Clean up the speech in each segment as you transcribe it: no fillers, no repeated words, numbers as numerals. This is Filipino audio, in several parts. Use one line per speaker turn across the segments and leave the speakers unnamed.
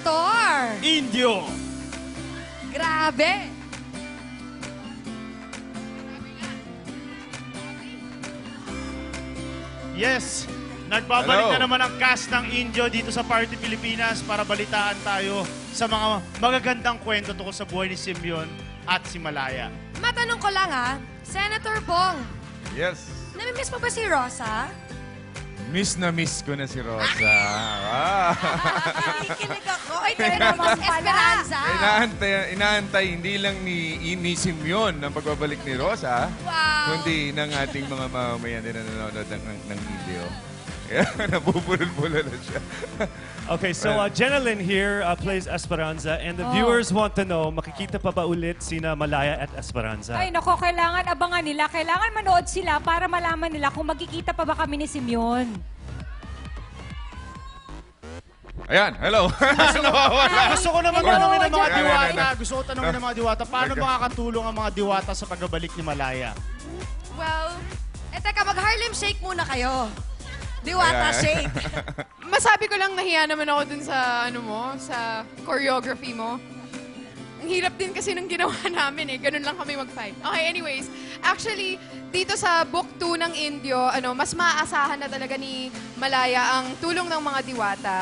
Senator!
Indio!
Grabe!
Yes, nagbabalik
Hello.
na naman ang cast ng Indio dito sa Party Pilipinas para balitaan tayo sa mga magagandang kwento tungkol sa buhay ni Simeon at si Malaya.
Matanong ko lang Senator Bong,
Yes.
namimiss mo ba si Rosa?
Miss na miss ko na si Rosa.
Nakikinig ako. Ay, kayo naman Esperanza.
Inaantay hindi lang ni Simeon ang pagbabalik ni Rosa,
Wow.
kundi ng ating mga mamamayan din na nanonood ng video. Kaya nabubulol-bulol na siya.
Okay, so Jenalyn here plays Esperanza, and the viewers want to know, makikita pa ba ulit sina Malaya at Esperanza?
Ay, nako, kailangan abangan nila. Kailangan manood sila para malaman nila kung magkikita pa ba kami ni Simeon.
Ayan, hello. Nawawala.
Gusto ko naman
Hello,
tanongin ng mga
Jenalyn.
diwata. Gusto ko tanongin ng mga diwata, paano makakatulong ang mga diwata sa pagbabalik ni Malaya?
Well, teka, mag-Harlem Shake muna kayo. Diwata
Ayan.
Shake.
Masabi ko lang nahiya naman ako dun sa, sa choreography mo. Ang hirap din kasi ng ginawa namin Ganun lang kami mag-fight. Okay, anyways. Actually, dito sa book 2 ng Indio, mas maaasahan na talaga ni Malaya ang tulong ng mga diwata.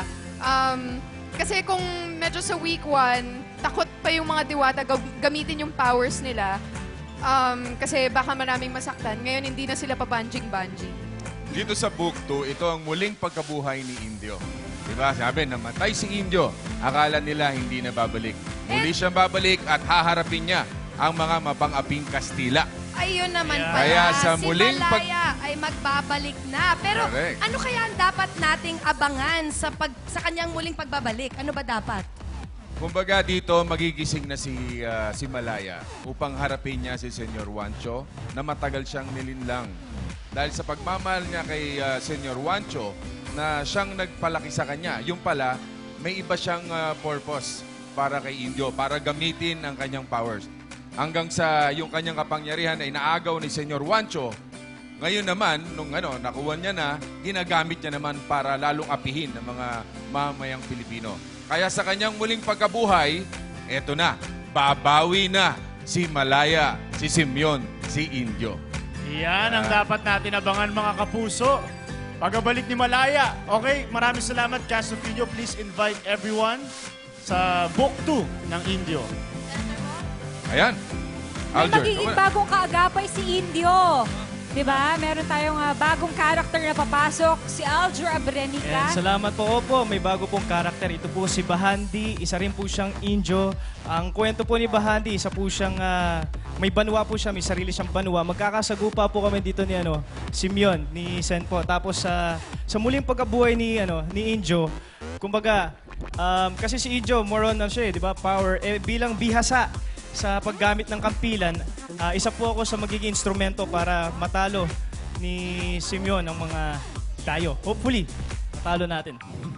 Kasi kung medyo sa week 1, takot pa yung mga diwata gamitin yung powers nila. Kasi baka maraming masaktan. Ngayon, hindi na sila pa-banjing-banjing.
Dito sa book 2, ito ang muling pagkabuhay ni Indio. Diba? Sabi, namatay si Indio. Akala nila hindi na babalik. Muli siyang babalik at haharapin niya ang mga mapang-aping Kastila.
Ayun naman
Yeah.
pala.
Kaya sa
si
muling
Malaya ay magbabalik na. Pero
Correct.
ano kaya ang dapat nating abangan sa kanyang muling pagbabalik? Ano ba dapat?
Kumbaga dito, magigising na si Malaya upang harapin niya si Senyor Juancho na matagal siyang nilinlang. Dahil sa pagmamahal niya kay Senyor Juancho na siyang nagpalaki sa kanya, yung pala, may iba siyang purpose para kay Indio, para gamitin ang kanyang powers. Hanggang sa yung kanyang kapangyarihan ay naagaw ni Senyor Juancho. Ngayon naman, nung nakuha niya na, ginagamit niya naman para lalong apihin ng mga mamamayang Pilipino. Kaya sa kanyang muling pagkabuhay, eto na, babawi na si Malaya, si Simeon, si Indio.
Yan ang dapat natin abangan mga kapuso. Pagbabalik ni Malaya. Okay, maraming salamat, cast of Indio. Please invite everyone sa book 2 ng Indio.
Ayan.
May
Alger,
magiging
ikaw na.
bagong kaagapay si Indio. Diba? Meron tayong bagong karakter na papasok, si Alger Abrenica.
And salamat po. Opo, may bago pong karakter. Ito po si Bahandi. Isa rin po siyang Indio. Ang kwento po ni Bahandi, isa po siyang may banwa po siya, may sarili siyang banwa. Magkakasagupa po kami dito ni Simeon, ni Sen po. Tapos sa muling pagkabuhay ni Indio, kumbaga, kasi si Indio, more on siya, di ba? Power. Bilang bihasa sa paggamit ng kampilan, isa po ako sa magiging instrumento para matalo ni Simeon ang mga tayo. Hopefully, matalo natin.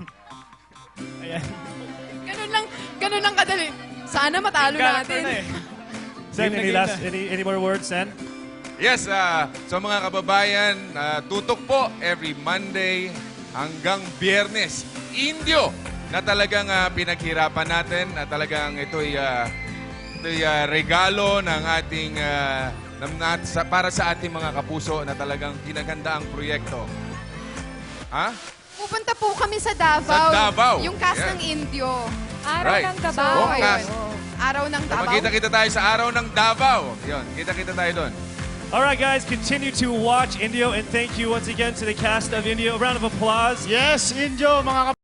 Ayan.
Ganun lang kadali. Sana matalo
Character
natin.
na eh. Sen, any more words, Sen?
Yes, sa mga kababayan, tutok po every Monday hanggang Biyernes. Indio na talagang pinaghirapan natin at talagang ito'y regalo ng ating para sa ating mga kapuso na talagang pinaganda ang proyekto. Ha?
Pupunta po kami sa Davao.
Sa Davao.
Yung cast
Yes.
ng Indio.
Araw
Right.
ng
So,
Davao.
Buong
ayun.
cast.
Araw ng Davao.
Magkita-kita tayo sa araw ng Davao. Yun, kita-kita tayo doon.
All right, guys, continue to watch Indio, and thank you once again to the cast of Indio. A round of applause.
Yes, Indio, mga